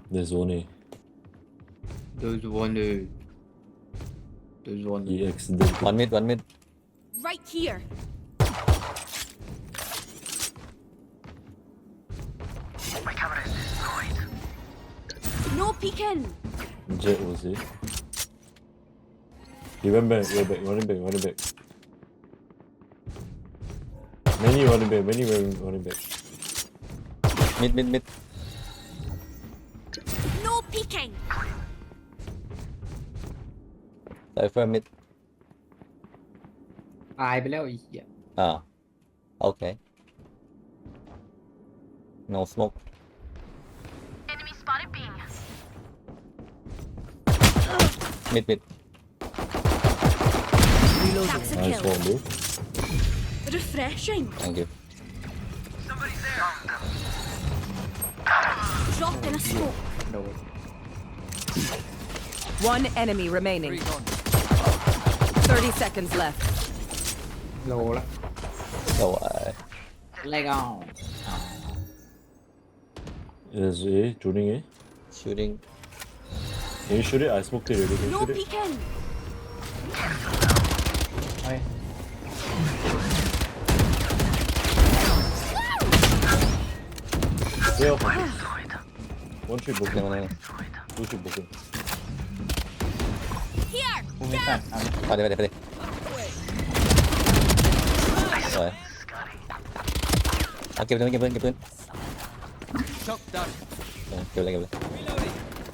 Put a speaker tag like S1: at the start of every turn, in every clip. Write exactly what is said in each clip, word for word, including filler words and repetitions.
S1: There's one A.
S2: There's one A. There's one A.
S1: He accidentally.
S3: One mid, one mid.
S4: Right here. No peeking.
S1: Jet was it? He went back, went back, running back, running back. Many running back, many running, running back.
S3: Mid, mid, mid.
S4: No peeking.
S3: Cypher mid.
S2: ตายไปแล้วไอ้เหี้ย
S3: Ah. Okay. No smoke.
S4: Enemy spotted B.
S3: Mid, mid.
S4: That's a
S1: Nice
S4: kill.
S1: one, dude.
S4: Refreshing.
S3: Thank you.
S4: Drop in a smoke.
S2: โดน
S5: One enemy remaining. Thirty seconds left.
S2: โลละ
S3: So, uh,
S2: ไล่ก็เอา
S1: There's A, shooting A.
S3: shooting.
S1: Can you shoot it? I smoked it already. Can you
S4: No
S1: shoot it?
S4: peeking.
S2: เฮ้ย
S1: Yeah, okay. One shoot broken,
S3: No, no, no.
S1: two shoot broken.
S4: Here.
S2: กูไม่ตัดเอา
S3: ไปดิไปดิไปดิสวยเอาเก็บปืนเก็บปืนเก็บปืน
S6: Shock done.
S3: เออเก็บเลยเก็บเลย
S6: Reloading.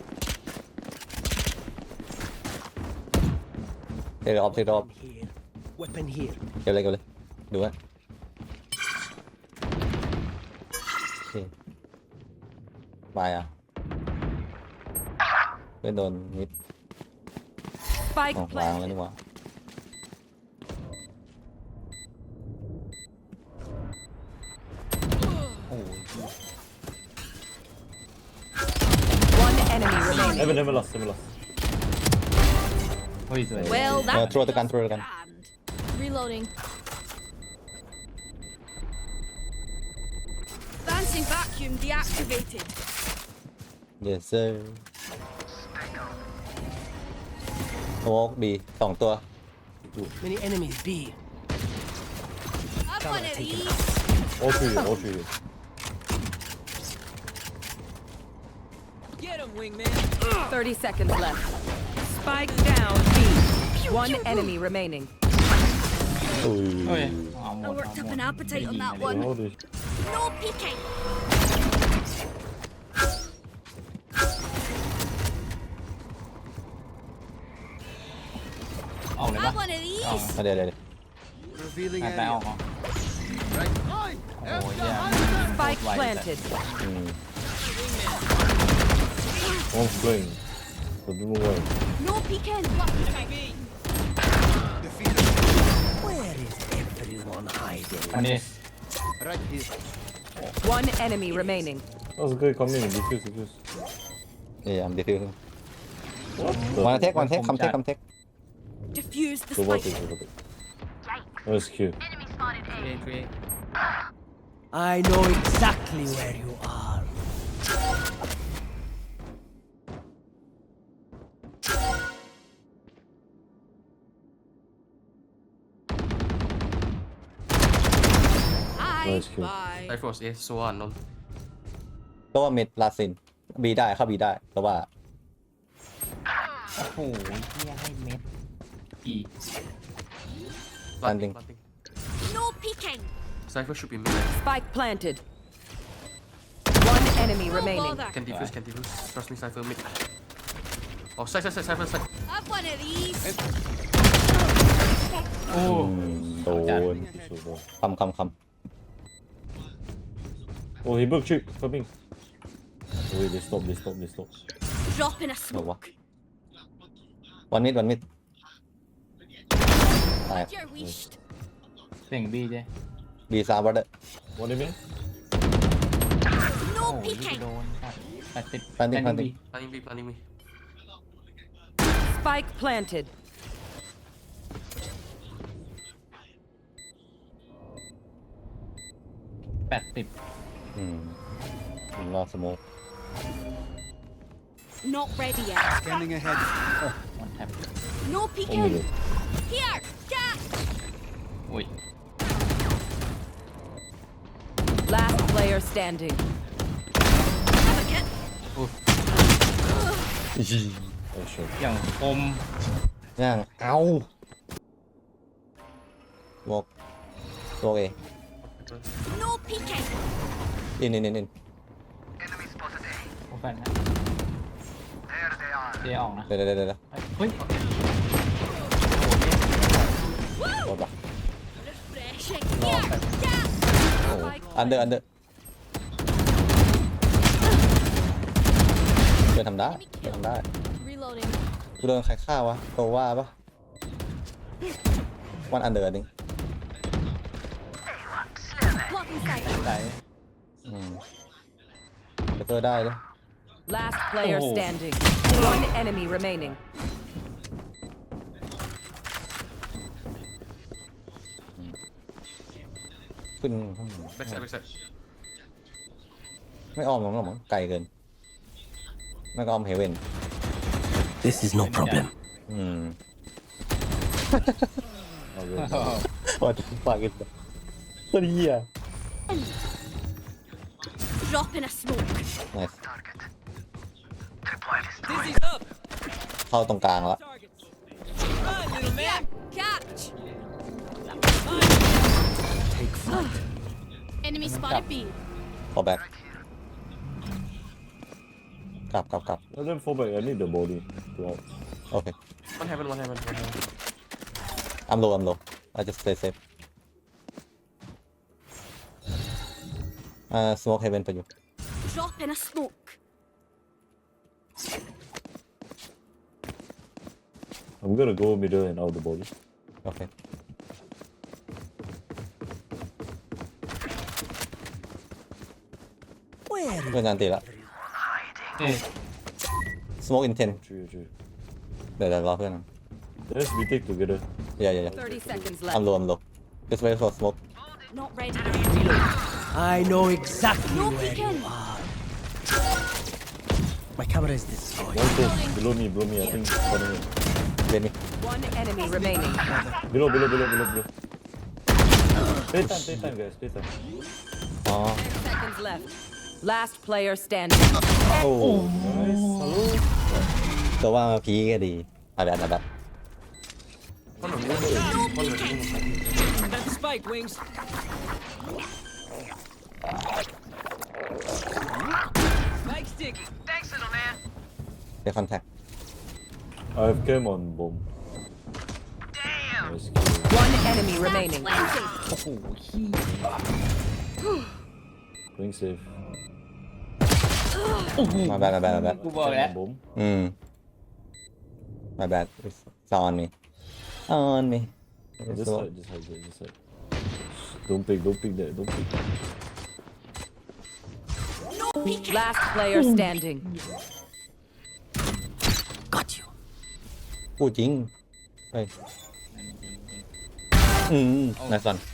S3: เทรอบเทรอบ
S6: Here. Weapon here.
S3: เก็บเลยเก็บเลยดูฮะโอเคมาอ่ะเพื่อนโดนมิด
S5: Spike
S3: อ๋อวางแล้วนี่หว่า
S2: โอ้ย
S5: One enemy remaining.
S1: Never, never lost, never lost.
S2: เฮ้ยสวย
S4: Well,
S3: เออ
S4: that
S3: ทรวตะกันทรวตะกัน
S4: grand. Reloading. Dancing vacuum deactivated.
S3: yes sir โอ้ดีสองตัว
S6: Many enemies B.
S4: Have one of these.
S1: All three here, all three here.
S6: Get him, wingman.
S5: Thirty seconds left. Spike down B. One enemy remaining.
S1: โอ้
S2: เฮ้ย
S1: ย
S2: เอาหม
S4: I
S2: ด
S4: worked
S2: เอา
S4: up
S2: หม
S4: an
S2: ด
S4: appetite on that
S1: โอ้
S4: one.
S1: ดิ
S4: No peeking.
S2: เอาเลยปะ
S4: Have one of
S2: เอา
S4: these.
S3: มาเดี๋ยวเดี๋ยวเดี๋ยว
S6: Revealing
S2: ไปเอา
S6: area.
S2: เอา
S6: Right.
S2: โอ้ยแย่
S5: Spike planted.
S3: อืม
S1: One flying. So do not worry.
S4: No peeking.
S6: Where is everyone hiding?
S2: อันนี้
S6: Right here.
S5: One enemy remaining.
S1: That was good coming. Defuse, defuse.
S3: เดี๋ยวเดี๋ยว
S1: What the?
S3: วันเทควันเทคคำเทคคำเทค
S4: Diffuse the
S1: Go back,
S4: spike.
S1: go back. Nice kill.
S2: เอเอ
S6: I know exactly where you are.
S4: Hi.
S1: Nice kill.
S4: Bye.
S7: ไอโฟร์เอสโซอันนน
S3: ก็ว่าเมดลาซินบีได้เข้าบีได้แต่ว่า
S2: โอ้โหเฮียให้เม็ดอี
S3: Landing.
S4: No peeking.
S7: ไซเฟอร์ชูปิม
S5: Spike planted. One enemy
S4: No
S5: remaining.
S4: bother.
S7: แคนดี้ฟิวส์แคนดี้ฟิวส์ trust me ไซเฟอร์มิดอ๋อไซไซไซไซเฟอร์ไซ
S4: Have one of these.
S2: โอ้
S1: อืมโดน
S3: คำคำค
S1: Oh, he broke chip. Coming. Oh, wait, they stop, they stop, they stop.
S4: Drop in a
S3: ำบอกว่า
S4: smoke.
S3: วันมิดวันมิดตาย
S4: You're wished.
S2: เสียงบีเจ
S3: บีซาบัตเตอร์
S1: One minute.
S4: No
S2: โอ้ย
S4: peeking.
S2: โดนแปดสิบ
S3: Planting, planting.
S7: พานิงบีพานิงบี
S5: Spike planted.
S2: แปดสิบ
S3: อืมรอสโมก
S4: Not ready yet.
S2: Scanning ahead. Oh, one tap.
S4: No
S1: One
S4: peeking.
S1: minute.
S4: Here, cat.
S2: อุ้ย
S5: Last player standing.
S4: Have a kit.
S1: Oh shit.
S2: อย่างคม
S3: ย่างเอาโมกโมกเอง
S4: No peeking.
S3: อินอินอินอิน
S2: โอแฟนนะเจออกนะ
S3: เดี๋ยวเดี๋ยวเดี๋ยวเดี๋ยว
S2: เฮ้ย
S3: โดนปะ
S4: Refreshing. Here, cat.
S3: อันเดอร์อันเดอร์เพื่อนทำได้เพื่อนทำได้
S4: Reloading.
S3: กูโดนใครฆ่าวะโตว่าปะวันอันเดอร์นึง
S4: Blocking sight.
S2: ไหน
S3: อืมเดี๋ยวเตอร์ได้เลย
S5: Last player
S2: Oh.
S5: standing. One enemy remaining.
S3: ขึ้น
S7: back side back side
S3: ไม่อ้อมหรอกหรอกมั้งไกลเกินไม่ก็อ้อมเฮเว่น
S6: This is no problem.
S3: อืม
S1: เอาเลย
S3: ว่าจะฝากกันตัวเหี้ย
S4: Drop in a smoke.
S3: nice เข้าตรงกลางแล้ว
S4: Here, catch.
S6: Take flight.
S4: Enemy spotted B.
S3: ขอแบ็คกลับกลับกลับ
S1: Let them fall back. I need the body. To out.
S3: โอเค
S7: one heaven one heaven one heaven
S3: I'm low I'm low I just stay safe อ่า smoke heaven ไปอยู่
S4: Drop in a smoke.
S1: I'm gonna go middle and out the body.
S3: โอเค
S6: Where
S3: เพื่อนงานตีละ
S2: เอ๊ะ
S3: smoke in ten
S1: True, true.
S3: เดี๋ยวเดี๋ยวรอเพื่อน
S1: Let's retake together.
S3: อย่าอย่าอย่า
S5: Thirty seconds
S3: I'm
S5: left.
S3: low I'm low just wait for smoke
S4: Not ready yet.
S6: I know exactly
S4: No
S6: where you
S4: peeking.
S6: are. My camera is destroyed.
S1: One close. Below me, below me. I think. Below me.
S3: เล่นมี
S5: One enemy remaining.
S1: Below, below, below, below, below. Play time, play time, guys. Play time.
S3: อ๋อ
S5: Ten seconds left. Last player standing.
S3: โอ้
S1: Nice. Hello.
S3: ตัวว่ามาพีก็ดีอาแบบอาแบบ
S7: one of them one of them
S6: That spike wings. Spike stick. Thanks, little man.
S3: เดี๋ยวคอนแทค
S1: I have cam on bomb. Nice kill.
S5: One enemy remaining.
S4: Plenty.
S2: โอ้โหขี้
S1: Playing safe.
S3: มาแบดมาแบดมาแบด
S2: กูบอกแล้ว
S1: On bomb.
S3: อืม my bad it's on me on me
S1: This side, this side, this side. Don't pick, don't pick that, don't pick.
S4: No peeking.
S5: Last player standing.
S6: Got you.
S3: พูดจริงเฮ้ยอืมนายสัน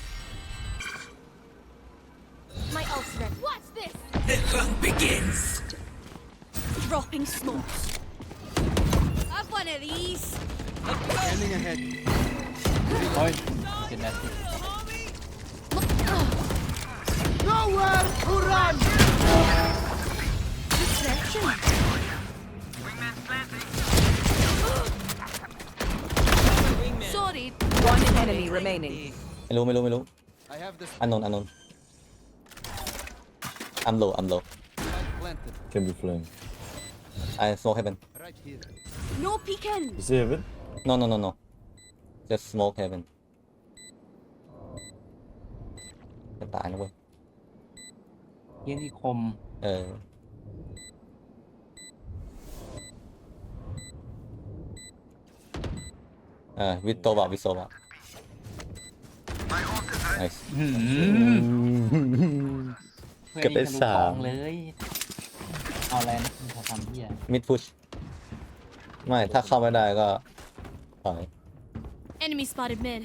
S4: My ult's ready. What's this?
S6: The hunt begins.
S4: Dropping smokes. Have one of these.
S6: Scanning ahead.
S2: โอ้ยเจ็ดนาที
S6: Nowhere to run.
S4: Distraction. Sorry.
S5: One enemy remaining.
S3: ไม่รู้ไม่รู้ไม่รู้
S6: I have the
S3: อันนนอันนน I'm low I'm low
S6: spike planted.
S1: Can be flanked.
S3: I smoke heaven
S6: Right here.
S4: No peeking.
S1: You see heaven?
S3: no no no no just smoke heaven จะตายนะเว้ย
S2: เยี่ยนี่คม
S3: เออเออวิตโตบะวิโซบะ nice
S2: หืม
S3: เก็บได้สาม
S2: เลย เอาอะไรนะคุณจะทำเหี้ย
S3: mid push ไม่ถ้าเข้าไม่ได้ก็ถอย
S4: Enemy spotted mid.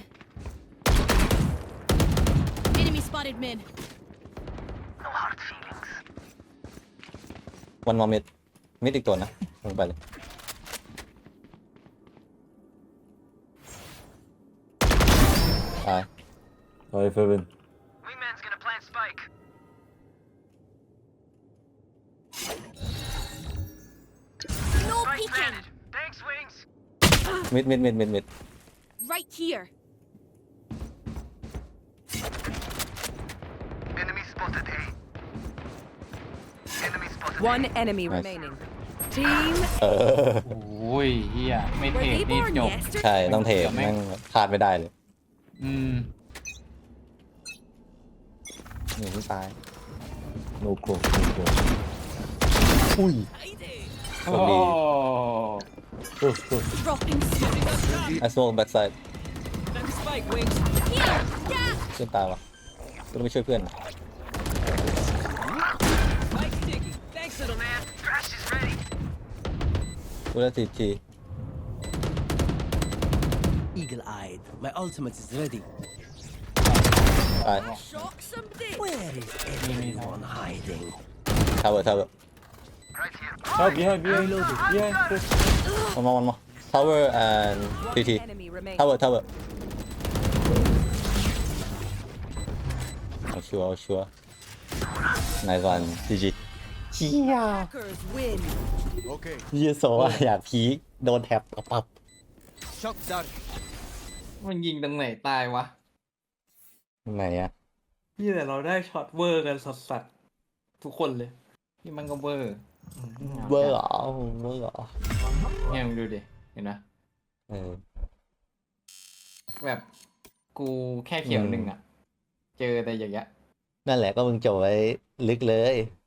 S4: Enemy spotted mid.
S3: one more mid mid อีกตัวนะลงไปเลยตาย
S1: Sorry, Fevin.
S8: Wingman's gonna plant spike.
S4: No
S8: Spike
S4: peeking.
S8: planted. Thanks, Wings.
S3: มิดมิดมิดมิดมิด
S4: Right here.
S8: Enemy spotted A. Enemy spotted
S5: One
S8: A.
S5: enemy
S3: Nice.
S5: remaining. Team
S3: เออ
S2: โอ้ยเฮียไม่เท
S4: Were
S2: รด
S4: they
S2: นี่
S4: born
S2: จบ
S4: yesterday?
S3: ใช่ต้องเทแม่งพลาดไม่ได้เลย
S2: อืม
S3: หนีที่ตาย
S1: No close, no close.
S3: อุ้ย
S2: โอ้
S1: Close, close.
S4: Dropping smoke.
S3: I smoke backside
S6: Spike wings.
S4: Here. Yeah.
S3: เพื่อนตายวะก็ต้องไปช่วยเพื่อน
S6: Spike sticky. Thanks, little man.
S8: Crash is ready.
S3: กูได้ทีที
S6: Eagle-eyed. My ultimate is ready.
S3: ตาย
S4: Shock somebody.
S6: Where is everyone hiding?
S3: ทาวเวอร์ทาวเวอร์
S8: Right here.
S1: Ah, behind, behind. Behind, close.
S3: วันมาวันมาทาวเวอร์ and ทีที
S5: enemy remaining.
S3: ทาวเวอร์ทาวเวอร์เอาชัวร์เอาชัวร์นายวันจีจีเฮีย
S5: Hackers win.
S3: เฮียโซว่าอยากพีคโดนแท็บปับปับ
S6: Shock dart.
S2: มันยิงตรงไหนตายวะ
S3: ไหนอะ
S2: พี่แต่เราได้ช็อตเวอร์กันสัสๆทุกคนเลยนี่มันก็เวอร์อืม
S3: เบอร์เหรอเบอร์เหรอ
S2: เนี่ยมึงดูดิเห็นไหม
S3: เออ
S2: แบบกูแค่เขียว
S3: อืม
S2: หนึ่งอ่ะ เจอแต่อย่างเงี้ย
S3: นั่นแหละก็มึงจบไว้ลึกเลย